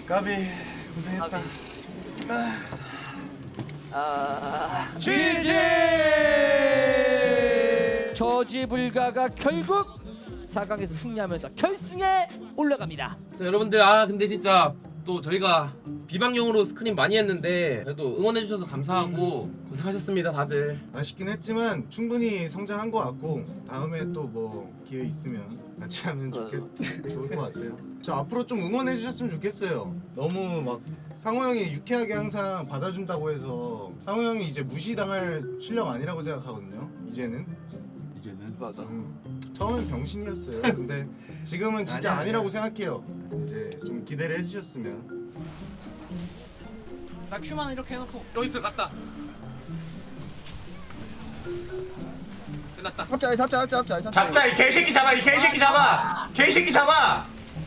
까비 고생했다. GG! 저지 불가가 결국 4강에서 승리하면서 결승에 올라갑니다. 자, 여러분들 근데 진짜 또 저희가 비방용으로 스크린 많이 했는데 그래도 응원해주셔서 감사하고 고생하셨습니다 다들. 아쉽긴 했지만 충분히 성장한 것 같고 다음에 또 뭐 기회 있으면 같이 하면 좋을 것 같아요. 저 앞으로 좀 응원해 주셨으면 좋겠어요. 너무 막 상호 형이 유쾌하게 항상 받아준다고 해서 상호 형이 이제 무시당할 실력 아니라고 생각하거든요. 이제는 맞아. 처음엔 병신이었어요. 근데 지금은 진짜 아니라고 생각해요. 이제 좀 기대를 해주셨으면. 나 큐만 이렇게 해놓고 여기 있어 갔다. 끝났다. 잡자 이 개새끼 잡아 이 개새끼 잡아 개새끼 잡아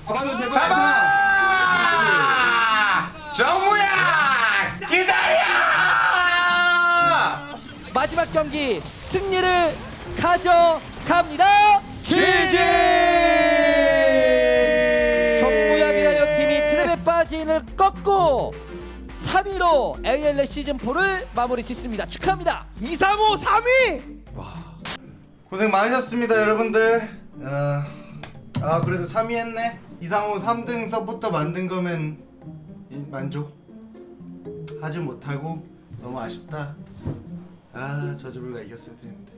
잡아 정무야 기다려. 마지막 경기 승리를 가져갑니다. GG! 정무야비라이어 팀이 트랩에 빠진을 꺾고 3위로 ALL 시즌4를 마무리 짓습니다. 축하합니다. 235 3위! 고생 많으셨습니다 여러분들. 그래도 3위 했네. 이상호 3등 서포터 만든 거면 만족 하지 못하고 너무 아쉽다. 저주불가 이겼어야 되는데.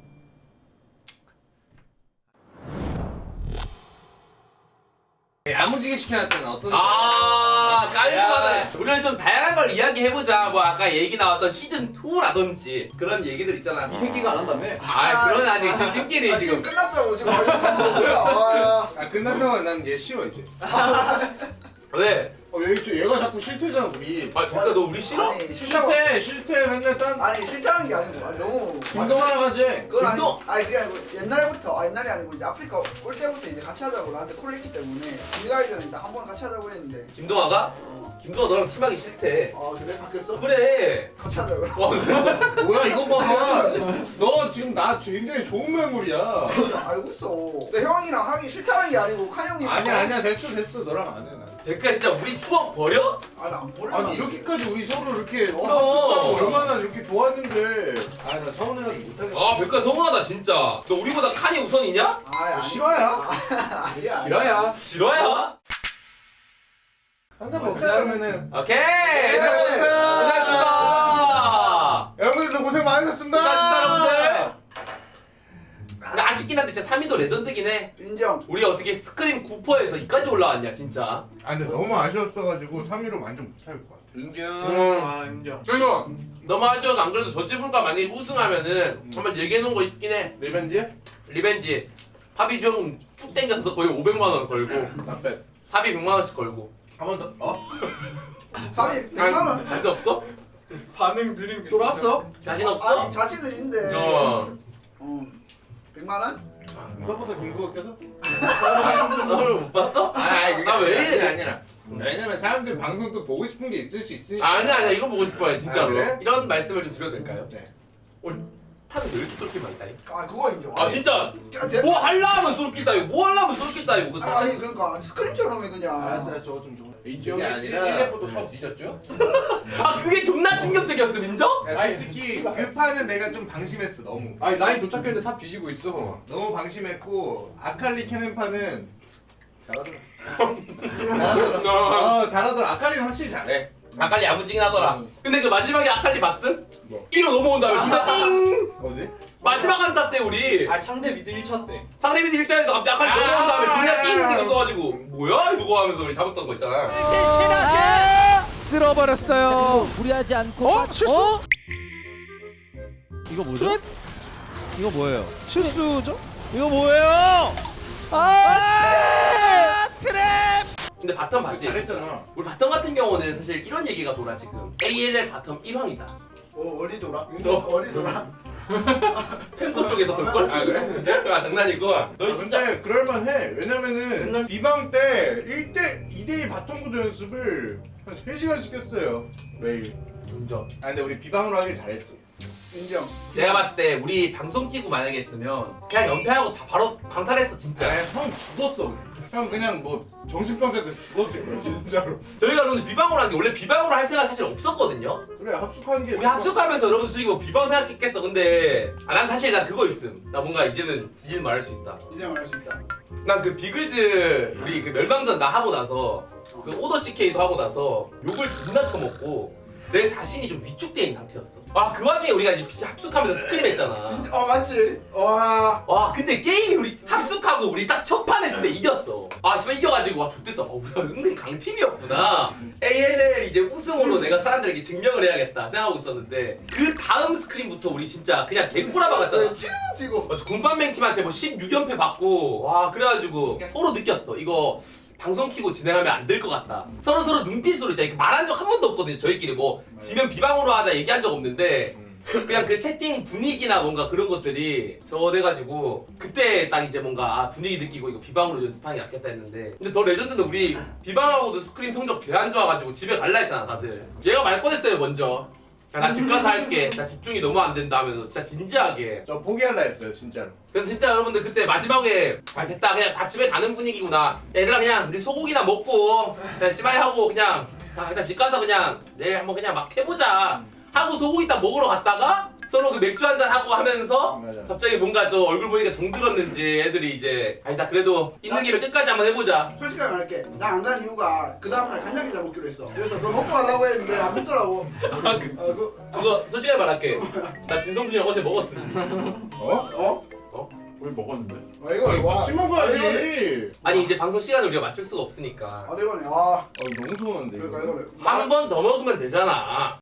야무지게 시켜놨잖아. 어떤 깔끔하다. 우리는 좀 다양한 걸 이야기해보자. 뭐 아까 얘기 나왔던 시즌 2라든지 그런 얘기들 있잖아. 이 새끼가 안 한다며? 그런 아직 팀끼리 지금. 끝났다고 지금 뭐야? 끝난다고 난 얘 싫어 이제. 왜? 얘가 자꾸 싫대잖아 우리. 진짜 너 우리 싫어? 아니 싫다고. 싫대 맨날 아니 싫다는 게 아니고 아니, 너무 운동하러 가지. 그건 아니 운동? 아니 그게 아니고 옛날부터 옛날이 아니고 이제 아프리카 올 때부터 이제 같이 하자고 나한테 콜을 했기 때문에 우리가 이전에 한 번 같이 하자고 했는데 김동아가? 김동아 너랑 팀하기 싫대. 그래 바뀌었어? 그래. 같이 하자고. 뭐야 이거 봐. 너 지금 나 굉장히 좋은 매물이야. 알고 있어. 근데 형이랑 하기 싫다는 게 아니고 칸 형님. 아니야 됐어 너랑 안 해. 난. 그러니까 진짜 우리 추억 버려? 아니 안 보려. 아니 이렇게까지 우리 서로 이렇게 그럼. 얼마나 이렇게 좋았는데. 나 서운해가지고 못하겠어. 백과 서운하다 진짜. 너 우리보다 칸이 우선이냐? 아니 싫어요? 아니야. 싫어야. 싫어야? 한잔 먹자 그러면은. 오케이. 고생하셨습니다. 고생하셨습니다. 여러분들도 고생 많으셨습니다. 고생하셨습니다 여러분들. 근데 아쉽긴 한데 진짜 3위도 레전드긴 해. 인정. 우리 어떻게 스크림 9%에서 이까지 올라왔냐 진짜. 근데 너무 아쉬웠어가지고 3위로 만족 못할 것 같아. 인정. 인정. 저희가 너무 아쉬워서 안 그래도 저 지분과 만약에 우승하면은 한번 얘기해놓은 거 있긴 해. 리벤지? 리벤지. 파비 좀쭉 땡겨서 거의 500만원 걸고 나빼. 사비 100만원씩 걸고. 한 번 더. 3위 100만 원. 자신 없어? 반응 드림 쫄았어? 자신 없어? 아니 자신은 있는데. 100만 원? 서부터 김구가 껴서? 너를 못 봤어? 왜 이래? 아니라. 왜냐면 사람들 방송 또 보고 싶은 게 있을 수 있으니까. 아니야 이거 보고 싶어요 진짜로. 그래? 이런 말씀을 좀 드려도 될까요? 네. 오늘 탑이 왜 이렇게 쏠길 많이 따위? 그거 인정. 진짜 대- 뭐 하려면 쏠길 따위고 뭐 하려면 쏠길 따위고 그 아니 그러니까 스크린처럼 해 그냥. 알았어 저거 좀 줘. 인정이 그게 아니라- 1렙부터 처음 뒤졌죠? 그게 존나 충격적이었어 인정? 야, 솔직히 그 판은 내가 좀 방심했어 너무. 아니 라인 도착했는데 탑 뒤지고 있어. 너무 방심했고 아칼리 캐는 판은 잘하더라. 잘하더라. 아칼리는 확실히 잘해. 아칼리 야무지긴 하더라. 근데 그 마지막에 아칼리 봤음? 뭐? 1호 넘어온 다음에 진짜 띵! 어디? 마지막 한타 때 우리 상대 미드 1차 때 상대 미드 일자에서 갑자기 아칼리 넘어온 다음에 존나 띵! 이거 써가지고 뭐야 이거 하면서 우리 잡았던 거 있잖아. 쓸어버렸어요. 무리하지 않고. 실수? 이거 뭐죠? 이거 뭐예요? 실수죠? 이거 뭐예요? 근데 바텀 봤지? 잘했잖아. 우리 바텀 같은 경우는 사실 이런 얘기가 돌아 지금. ALL 바텀 1황이다. 어디 돌아? 너. 어디 돌아? 팬코 쪽에서 돌걸? 그래? 장난이고. 너 진짜 근데 그럴만해. 왜냐면은 비방 때 2대2 바텀 구도 연습을 한 3시간씩 했어요 매일. 인정. 근데 우리 비방으로 하길 잘했지. 인정. 내가 봤을 때 우리 방송 키고 만약에 했으면 그냥 연패하고 다 바로 강탈했어 진짜. 형 죽었어. 형 그냥 뭐 정신병자 돼서 죽었을 거야 진짜로. 저희가 그런데 비방으로 하는 게 원래 비방으로 할 생각 사실 없었거든요. 그래 합숙한 게. 우리 합숙하면서 여러분 솔직히 뭐 비방 생각했겠어. 근데 난 사실 난 그거 있음. 나 뭔가 이제는 말할 수 있다. 이제 말할 수 있다. 난 그 비글즈 우리 그 멸망전 나 하고 나서 그 오더 CK도 하고 나서 욕을 존나 쳐먹고 내 자신이 좀 위축돼 있는 상태였어. 아 그 와중에 우리가 이제 합숙하면서 스크림 했잖아. 진짜 맞지? 와. 와 근데 게임이 우리 합숙하고 우리 딱 첫 판 했을 때 이겼어. 아 씨발 이겨가지고 와 좋댔다. 우리가 은근 강팀이었구나. ALL 이제 우승으로 내가 사람들에게 증명을 해야겠다 생각하고 있었는데 그 다음 스크림부터 우리 진짜 그냥 개꼬라 박았잖아. 지고. 군밤맹 팀한테 뭐 16연패 받고 와 그래가지고 그냥 서로 느꼈어. 이거 방송 키고 진행하면 안 될 것 같다. 서로 눈빛으로 진짜 이렇게 말한 적 한 번도 없거든요. 저희끼리 뭐 지면 비방으로 하자 얘기한 적 없는데 그냥 그 채팅 분위기나 뭔가 그런 것들이 저 돼가지고 그때 딱 이제 뭔가 분위기 느끼고 이거 비방으로 연습하는 게 낫겠다 했는데 근데 더 레전드는 우리 비방하고도 스크림 성적 개 안 좋아가지고 집에 갈라 했잖아 다들. 얘가 말 꺼냈어요 먼저. 나 집 가서 할게. 나 집중이 너무 안 된다 하면서 진짜 진지하게. 저 포기할라 했어요 진짜로. 그래서 진짜 여러분들 그때 마지막에 아 됐다 그냥 다 집에 가는 분위기구나. 얘들아 그냥 우리 소고기나 먹고 그냥 씨발 하고 그냥 일단 집 가서 그냥 내일 한번 그냥 막 해보자 하고 소고기 딱 먹으러 갔다가 서로 그 맥주 한잔 하고 하면서 맞아. 갑자기 뭔가 또 얼굴 보니까 정들었는지 애들이 이제 아니다 그래도 있는 김에 끝까지 한번 해보자. 솔직하게 말할게. 나 안 간 이유가 그 다음날 간장게장 먹기로 했어. 그래서 그거 먹고 가려고 했는데 안 먹더라고. 그거 솔직히 말할게. 나 진성준이 형 어제 먹었어. 어? 우리 먹었는데. 아 이거 같이 먹어야지. 이거는- 아니 이제 방송 시간을 우리가 맞출 수가 없으니까 아 이거네. 아. 너무 좋았는데. 그러니까 이거. 이거네. 한 번 더 먹으면 되잖아.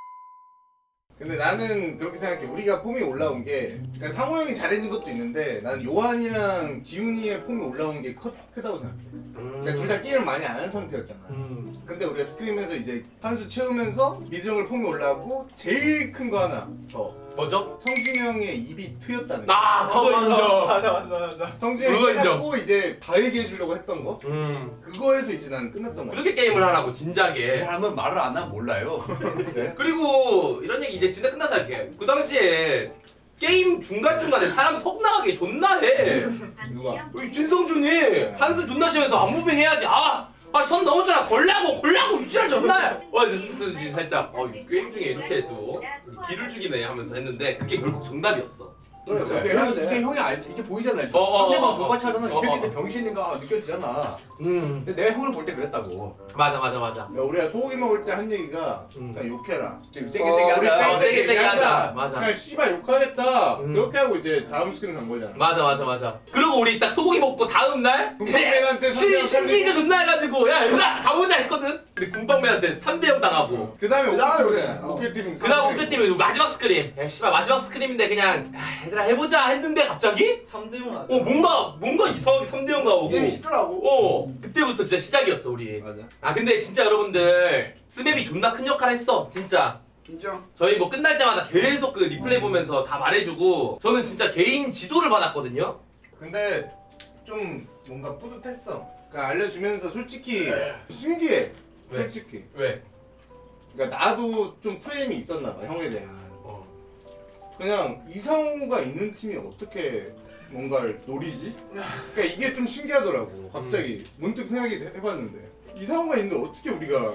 근데 나는 그렇게 생각해. 우리가 폼이 올라온 게 그러니까 상호 형이 잘해준 것도 있는데 나는 요한이랑 지훈이의 폼이 올라온 게 크다고 생각해. 그러니까 둘 다 게임을 많이 안 한 상태였잖아. 근데 우리가 스크림에서 이제 한 수 채우면서 미드정글 폼이 올라오고 제일 큰 거 하나 더. 뭐죠? 성준이 형의 입이 트였다는 거. 아 그거 인정. 맞아. 성준이 그거 형이 인정. 끝났고 이제 다 얘기해 주려고 했던 거. 그거에서 이제 난 끝났던 거야. 그렇게 게임을 하라고 이 진작에. 사람은 말을 안 하면 몰라요. 네? 그리고 이런 얘기 이제 진짜 끝나서 할게. 그 당시에 게임 중간중간에 사람 속 나가게 존나 해. 누가? 우리 진성준이 한숨 존나 쉬면서 안무빙 해야지. 선 넘었잖아. 걸라고 유지할 존나 해. 와 진짜 살짝 이 게임 중에 이렇게 또 기를 죽이네 하면서 했는데 그게 결국 정답이었어. 그래, 진짜. 그래. 해야 돼. 이제 형이 이제 보이잖아. 이제. 어, 상대방 어, 족같이 하잖아. 어, 이 새끼들 병신인가 느껴지잖아. 근데 내가 형을 볼 때 그랬다고. 맞아. 야, 우리가 소고기 먹을 때 한 얘기가 그냥 욕해라. 지금 세게 하자. 우리 세게 하자. 맞아. 그냥 씨발 욕하겠다. 음. 그렇게 하고 이제 다음 스크린 간 거잖아. 맞아. 그리고 우리 딱 소고기 먹고 다음 날 군방맨한테 심리가 존나 해가지고 야 얘들아 가보자 했거든. 근데 군방맨한테 3대0 당하고. 그 다음에 그다음에 오케이팀 오케이. 그 다음 오크팀이 마지막 스크림. 야 씨발 마지막 스크림인데 그냥 얘들아 해보자 했는데 갑자기 3대0 하자. 뭔가 이상하게 3대0 나오고. 게임이 쉽더라고. 그때부터 진짜 시작이었어 우리. 맞아. 근데 진짜 여러분들 스맵이 존나 큰 역할 했어 진짜. 인정. 저희 뭐 끝날 때마다 계속 그 리플레이 보면서 다 말해주고 저는 진짜 개인 지도를 받았거든요. 근데 좀 뭔가 뿌듯했어. 그러니까 알려주면서 솔직히 신기해. 왜? 솔직히. 왜? 그러니까 나도 좀 프레임이 있었나 봐 형에 대한. 어. 그냥 이상호가 있는 팀이 어떻게 뭔가를 노리지? 그러니까 이게 좀 신기하더라고. 갑자기 문득 생각이 해봤는데 이상호가 있는데 어떻게 우리가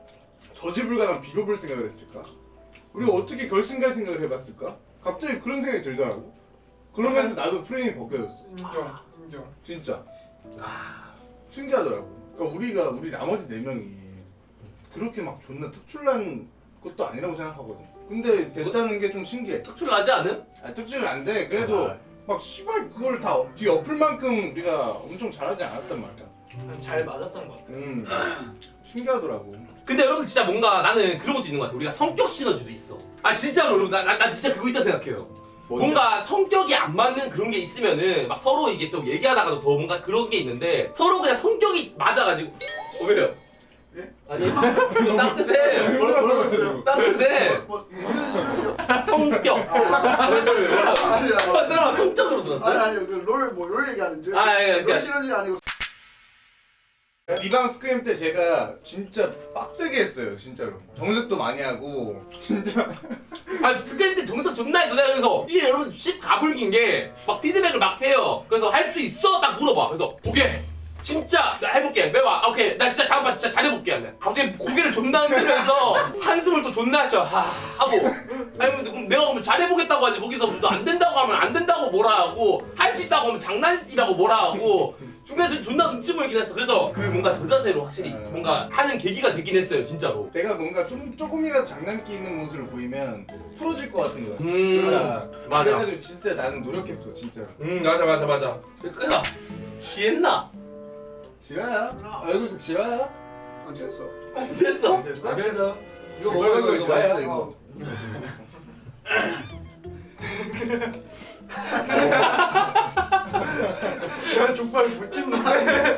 저지불가랑 비벼볼 생각을 했을까? 우리가 어떻게 결승 갈 생각을 해봤을까? 갑자기 그런 생각이 들더라고. 그러면서 나도 프레임이 벗겨졌어. 인정. 진짜 신기하더라고. 그러니까 우리 나머지 4명이 그렇게 막 존나 특출난 것도 아니라고 생각하거든. 근데 됐다는 게 좀 신기해. 특출나지 않음? 특출은 안 돼. 그래도 막 씨발 그걸 다 뒤 엎을 만큼 우리가 엄청 잘하지 않았단 말이야. 잘 맞았던 것 같아. 신기하더라고. 근데 여러분 진짜 뭔가 나는 그런 것도 있는 것 같아. 우리가 성격 시너지도 있어. 진짜로 여러분 나 진짜 그거 있다 생각해요. 뭔가 성격이 안 맞는 그런 게 있으면은 막 서로 이게 또 얘기하다가도 더 뭔가 그런 게 있는데 서로 그냥 성격이 맞아가지고 왜요? 예? 아니 따뜻해. 뭐라고 했어요? 따뜻해. 무슨 식이죠? 성격. 아니야. 한 사람은 성적으로 들었어요? 아니 롤 얘기하는 줄. 아, 예, 롤 그러니까. 시너지가 아니고. 비방 스크림 때 제가 진짜 빡세게 했어요 진짜로. 정색도 많이 하고 진짜. 아니 스크린 때 정석 존나 했어. 내가 그래서 이게 여러분 씹 가불긴 게 막 피드백을 막 해요. 그래서 할 수 있어? 딱 물어봐. 그래서 오케이 진짜 나 해볼게. 매와 오케이 나 진짜 다음 판 진짜 잘해볼게. 하면 갑자기 고개를 존나 흔들면서 한숨을 또 존나 쉬어. 하고 아니 그럼 내가 그러면 잘해보겠다고 하지. 거기서 너 안 된다고 하면 안 된다고 뭐라 하고 할 수 있다고 하면 장난이라고 뭐라 하고 중간에서 존나 눈치 보이긴 했어. 그래서 그 뭔가 저 자세로 확실히 뭔가 하는 계기가 되긴 했어요 진짜로. 내가 뭔가 조금이라도 장난기 있는 모습을 보이면 풀어질 것 같은 거야. 그러니까 맞아. 그래가지고 진짜 나는 노력했어 진짜. 맞아. 끄나 취했나? 지라야. 얼굴색 지라야. 안 됐어. 됐어? 됐어? 그래서 이거 먹어 이거 맛있어 이거. 야 족발 못 찍는데.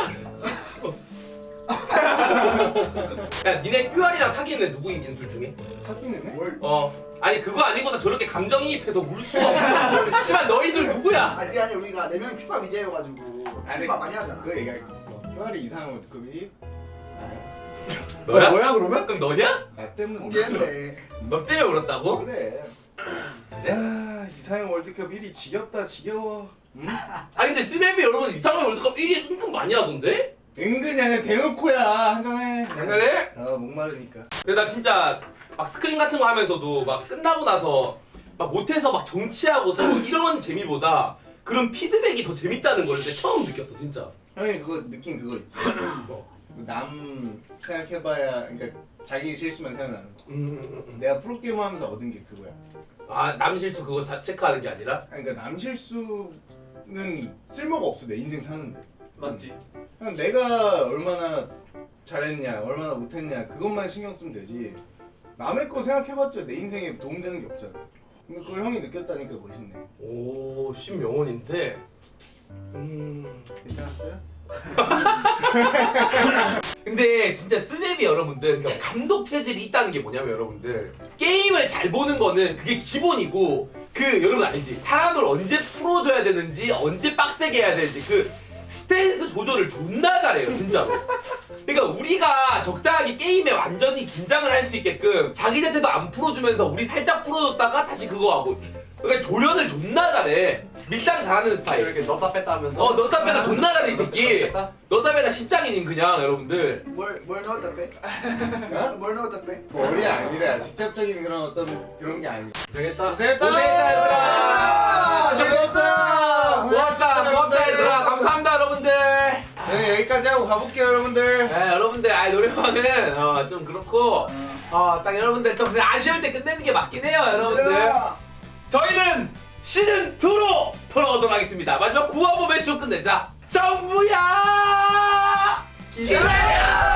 야 니네 QR이랑 사귀는 애 누구 있는 둘 중에? 사귀는 애? 뭘? 아니 그거 아니고서 저렇게 감정이입해서 울 수가 없어. 씨발 너희들 누구야? 아니 그게 아니라 우리가 4명이 피파 미제여가지고 아니, 피파 많이 하잖아. 그거 얘기할게. QR이 이상한 월드컵이 너야? 뭐야 그러면? 그럼 너냐? 나 때문에 공개했네. 너 때문에 울었다고? 그래. 야 이상형 월드컵 1위 지겹다 지겨워. 응? 아니 근데 스맵이 여러분 이상한 월드컵 1위 은근 많이 하던데? 은근히 아니라 대놓고야 한잔해. 장난해? 목마르니까. 그래서 나 진짜 막 스크린 같은 거 하면서도 막 끝나고 나서 막 못해서 막 정치하고 서로 이런 재미보다 그런 피드백이 더 재밌다는 걸 내가 처음 느꼈어 진짜. 형이 그거 느낀 그거 있지. 남 생각해봐야 그러니까 자기 실수만 생각나는 거. 내가 프로게이머 하면서 얻은 게 그거야. 아 남 실수 그거 체크하는 게 아니라? 아니, 그러니까 남 실수는 쓸모가 없어 내 인생 사는데. 맞지. 그냥 내가 얼마나 잘했냐 얼마나 못했냐 그것만 신경 쓰면 되지. 남의 거 생각해봤자 내 인생에 도움되는 게 없잖아. 근데 그걸 형이 느꼈다니까 멋있네. 오 신명언인데 괜찮았어요? 근데 진짜 스맵이 여러분들 그러니까 감독 체질이 있다는 게 뭐냐면 여러분들 게임을 잘 보는 거는 그게 기본이고 그 여러분 알지? 사람을 언제 풀어줘야 되는지 언제 빡세게 해야 되는지 그 스탠스 조절을 존나 잘해요 진짜로. 그러니까 우리가 적당하게 게임에 완전히 긴장을 할 수 있게끔 자기 자체도 안 풀어주면서 우리 살짝 풀어줬다가 다시 그거 하고 그러니까 조련을 존나 잘해. 밀당 잘하는 스타일. 이렇게 넣다 뺐다 하면서 넣다 빼다 존나 잘해 이 새끼. 넣다 빼다 십장인인 그냥 여러분들. 뭘 넣었다 빼? 어? 뭘 넣었다 빼? 머리 아니라 직접적인 그런 어떤 그런 게 아니고. 고생했다. 고생했다 얘들아. 즐거웠다. 고맙다 얘들아. 감사합니다 여러분들. 네 여기까지 하고 가볼게요 여러분들. 네 여러분들 노래방은 좀 그렇고 딱 여러분들 좀 그냥 아쉬울 때 끝내는 게 맞긴 해요 여러분들. 저희는 시즌 2로 돌아오도록 하겠습니다. 마지막 구화보 매치로 끝내자. 정부야 기다려.